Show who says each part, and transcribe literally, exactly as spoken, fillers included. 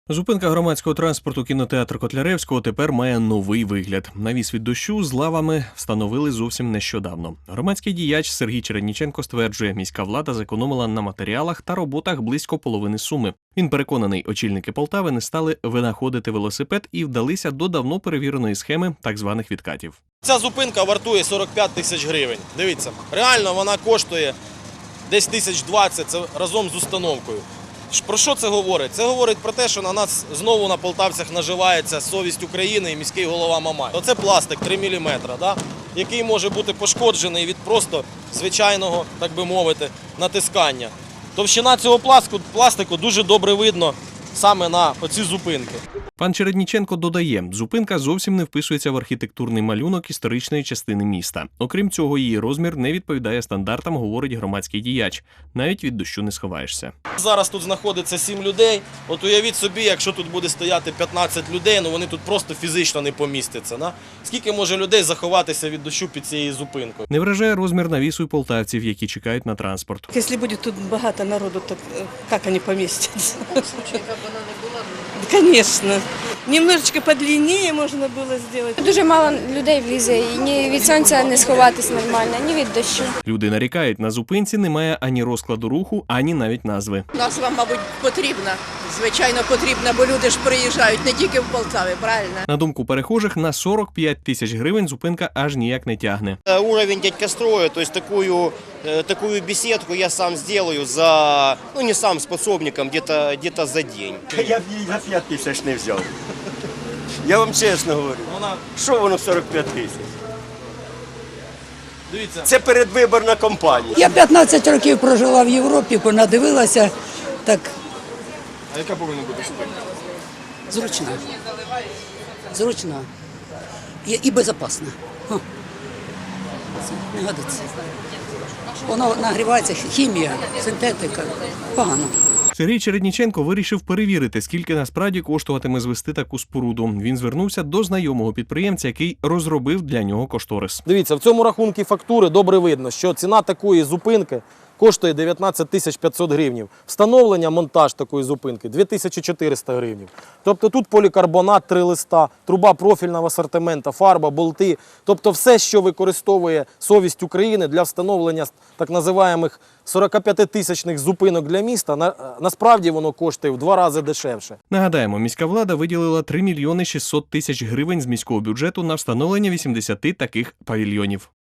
Speaker 1: Зупинка громадського транспорту кінотеатру Котляревського тепер має новий вигляд. Навіс від дощу з лавами встановили зовсім нещодавно. Громадський діяч Сергій Чередніченко стверджує, міська влада зекономила на матеріалах та роботах близько половини суми. Він переконаний, очільники Полтави не стали винаходити велосипед і вдалися до давно перевіреної схеми так званих відкатів.
Speaker 2: Ця зупинка вартує сорок п'ять тисяч гривень. Дивіться, реально вона коштує десь тисяч двадцять, це разом з установкою. Про що це говорить? Це говорить про те, що на нас знову на полтавцях наживається совість України і міський голова Мамай. Оце пластик три міліметри, да? Який може бути пошкоджений від просто звичайного, так би мовити, натискання. Товщина цього пластику дуже добре видно саме на оці зупинки.
Speaker 1: Пан Чередніченко додає, зупинка зовсім не вписується в архітектурний малюнок історичної частини міста. Окрім цього, її розмір не відповідає стандартам, говорить громадський діяч. Навіть від дощу не сховаєшся.
Speaker 2: Зараз тут знаходиться сім людей. От уявіть собі, якщо тут буде стояти п'ятнадцять людей, ну вони тут просто фізично не помістяться. Да? Скільки може людей заховатися від дощу під цією зупинкою?
Speaker 1: Не вражає розмір навісу й полтавців, які чекають на транспорт.
Speaker 3: Якщо буде тут багато народу, то як вони помістяться?
Speaker 4: В случае, як вона не була,
Speaker 3: Конечно. Немножечко подлиннее можна було зробити.
Speaker 5: Дуже мало людей влізе, і ні від сонця не сховатись нормально, ні від дощу.
Speaker 1: Люди нарікають, на зупинці немає ані розкладу руху, ані навіть назви.
Speaker 4: назва, мабуть, потрібна. Звичайно, потрібна, бо люди ж приїжджають не тільки в Полтаві, правильно?
Speaker 1: На думку перехожих, на сорок п'ять тисяч гривень зупинка аж ніяк не тягне.
Speaker 6: Уровень дядька строя, то есть такую, такую беседку я сам сделаю за, ну не сам, с подсобником, где-то где-то за день.
Speaker 7: Я б її за п'ять тисяч не взяв. Я вам чесно говорю.
Speaker 2: Вона,
Speaker 7: Що воно сорок п'ять тисяч?
Speaker 2: дивіться,
Speaker 7: Це передвиборна кампанія.
Speaker 8: Я п'ятнадцять років прожила в Європі, понадивилася, так
Speaker 2: а яка повинна бути зупинка?
Speaker 8: зручна. Зручна. І, і безпечна. Ха. Це не годиться. Воно нагрівається, хімія, синтетика. Погано.
Speaker 1: Сергій Чередніченко вирішив перевірити, скільки насправді коштуватиме звести таку споруду. Він звернувся до знайомого підприємця, який розробив для нього кошторис.
Speaker 2: Дивіться, в цьому рахунку фактури добре видно, що ціна такої зупинки коштує дев'ятнадцять тисяч п'ятсот гривень. Встановлення, монтаж такої зупинки – дві тисячі чотириста гривень. Тобто тут полікарбонат, три листа, труба профільного асортименту, фарба, болти. Тобто все, що використовує совість України для встановлення так називаємих сорокап'ятитисячних зупинок для міста, на, насправді воно коштує в два рази дешевше.
Speaker 1: Нагадаємо, міська влада виділила три мільйони шістсот тисяч гривень з міського бюджету на встановлення вісімдесят таких павільйонів.